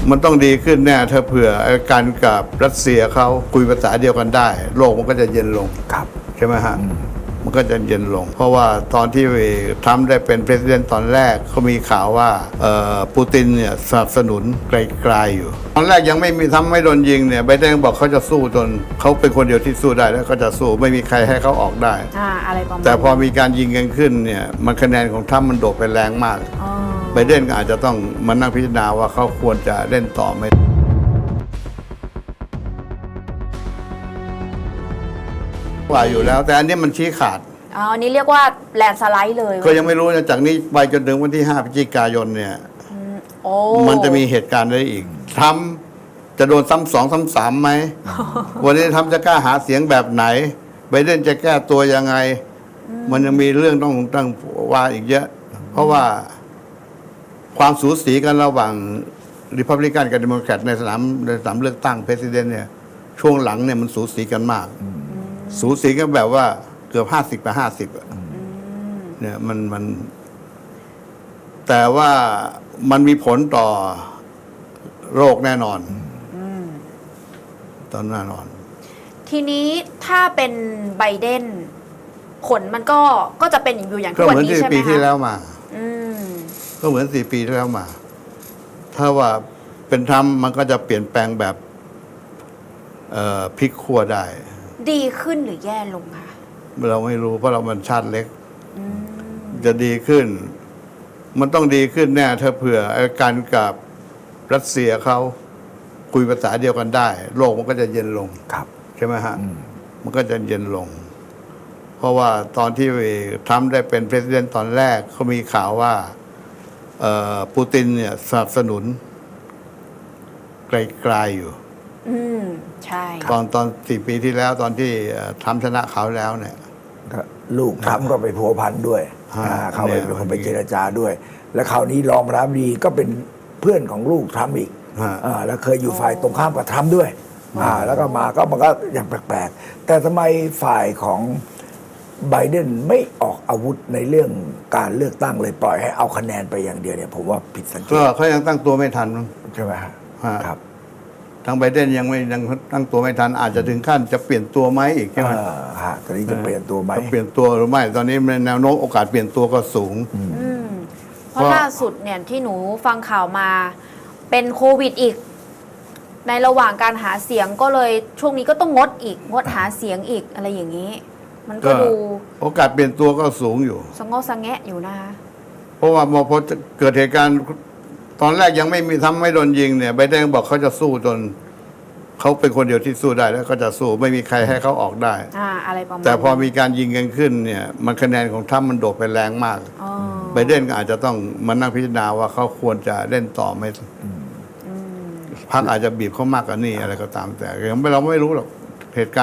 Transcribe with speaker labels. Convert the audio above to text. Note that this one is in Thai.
Speaker 1: มันต้องดีขึ้นแน่ถ้าเผื่อการกับรัสเซียเขาคุยภาษาเดียวกันได้ โลกมันก็จะเย็นลง
Speaker 2: ครับ
Speaker 1: ใช่ไหมฮะมันก็จะเย็นลง เพราะว่าตอนที่ทรัมป์ได้เป็นประธานตอนแรกเขามีข่าวว่าปูตินเนี่ยสนับสนุนไกลๆอยู่ตอนแรกยังไม่มีทรัมป์ไม่โดนยิงเนี่ยไบเดนบอกเขาจะสู้จนเขาเป็นคนเดียวที่สู้ได้แล้วก็จะสู้ไม่มีใครให้เขาออกได้
Speaker 3: อะไรประมาณ
Speaker 1: แต่พอมีการยิงกันขึ้นเนี่ยมันคะแนนของทรัมป์มันโดดไปแรงมากไบเดนก็อาจจะต้องมานั่งพิจารณาว่าเขาควรจะเล่นต่อไหมว่าอยู่แล้วแต่อันนี้มันชี้ขาด
Speaker 3: อันนี้เรียกว่าแลนด์สไลด์เลย
Speaker 1: ก็ยังไม่รู้นะจากนี้ไปจนถึงวันที่ 5 พฤศจิกายนเนี่ยมันจะมีเหตุการณ์อะไรอีกทำจะโดนซ้ำสองซ้ำสามไหม วันนี้ทำจะกล้าหาเสียงแบบไหนไบเดนจะแก้ตัวยังไง มันยังมีเรื่องต้องว่าอีกเยอะ เพราะว่าความสูสีกันระหว่างริพับลิกันกับเดโมแครตในสนามเลือกตั้งประธานเนี่ยช่วงหลังเนี่ยมันสูสีกันมากสูสีกันแบบว่าเกือบ50 กับ 50เนี่ยมันแต่ว่ามันมีผลต่อโรคแน่นอนตอนแน่นอน
Speaker 3: ทีนี้ถ้าเป็นไบเดนผลมันก็จะเป็นอยู่อย่าง
Speaker 1: ที่วันนี้ใช่ไหมคะก็เหมือน4 ปีที่แล้วมาก็เหมือน4 ปีที่แล้วมาถ้าว่าเป็นทรัมป์มันก็จะเปลี่ยนแปลงแบบพลิกขั้วได้
Speaker 3: ดีขึ้นหรือแย่ลงคะ
Speaker 1: เราไม่รู้เพราะเรามันชาติเล็กจะดีขึ้นมันต้องดีขึ้นแน่ถ้าเผื่อการกับรัสเซียเขาคุยภาษาเดียวกันได้ โลกมันก็จะเย็นลงใช่ไหมฮะมันก็จะเย็นลง เพราะว่าตอนที่ทรัมป์ได้เป็นประธานตอนแรกเขามีข่าวว่าปูตินเนี่ยสนับสนุนไกลๆอยู่
Speaker 3: ใช่
Speaker 1: ตอน4 ปีที่แล้วตอนที่ทรัมป์ชนะเขาแล้วเนี่ย
Speaker 2: ลูกทรัมป์ก็ไปพัวพันด้วยเขาเป็นคนไปเจรจาด้วย แล้วคราวนี้รองประธานาธิบดีก็เป็นเพื่อนของลูกทรัมป์อีกแล้วเคยอยู่ฝ่ายตรงข้ามกับทรัมป์ด้วยแล้วก็มันก็อย่างแปลกๆแต่ทำไมฝ่ายของไบเดนไม่ออกอาวุธในเรื่องการเลือกตั้งเลยปล่อยให้เอาคะแนนไปอย่างเดียวเนี่ยผมว่าผิดสังเกต
Speaker 1: ก็เขายังตั้งตัวไม่ทัน
Speaker 2: ใช่ไหมครับ
Speaker 1: ทางไบเดนยังตั้งตัวไม่ทันอาจจะถึงขั้นจะเปลี่ยนตัวไหมอีกใช่ไหม
Speaker 2: ตอนนี้จะเปลี่ยนตัวไหม
Speaker 1: เปลี่ยนตัวหรือไม่ตอนนี้แนวโน้มโอกาสเปลี่ยนตัวก็สูง
Speaker 3: เพราะล่าสุดเนี่ยที่หนูฟังข่าวมาเป็นโควิดอีกในระหว่างการหาเสียงก็เลยช่วงนี้ก็ต้องงดหาเสียงอีกอะไรอย่างนี้มันก็ดู
Speaker 1: โอกาสเปลี่ยนตัวก็สูงอยู่
Speaker 3: สงแงะอยู่นะคะ
Speaker 1: เพราะว่าพอเกิดเหตุการณ์ตอนแรกยังไม่มีทำไม่โดนยิงเนี่ยไบเดนบอกเขาจะสู้จนเขาเป็นคนเดียวที่สู้ได้แล้วก็จะสู้ไม่มีใครให้เขาออกได้
Speaker 3: อะไรประมาณ
Speaker 1: แต่พอมีการยิงกันขึ้นเนี่ยมันคะแนนของทรัมป์มันโดดไปแรงมากไบเดนก็อาจจะต้องมานั่งพิจารณาว่าเขาควรจะเล่นต่อไหมพรรคอาจจะบีบเขามากกว่านี้อะไรก็ตามแต่เราไม่รู้หรอกเหตุการณ์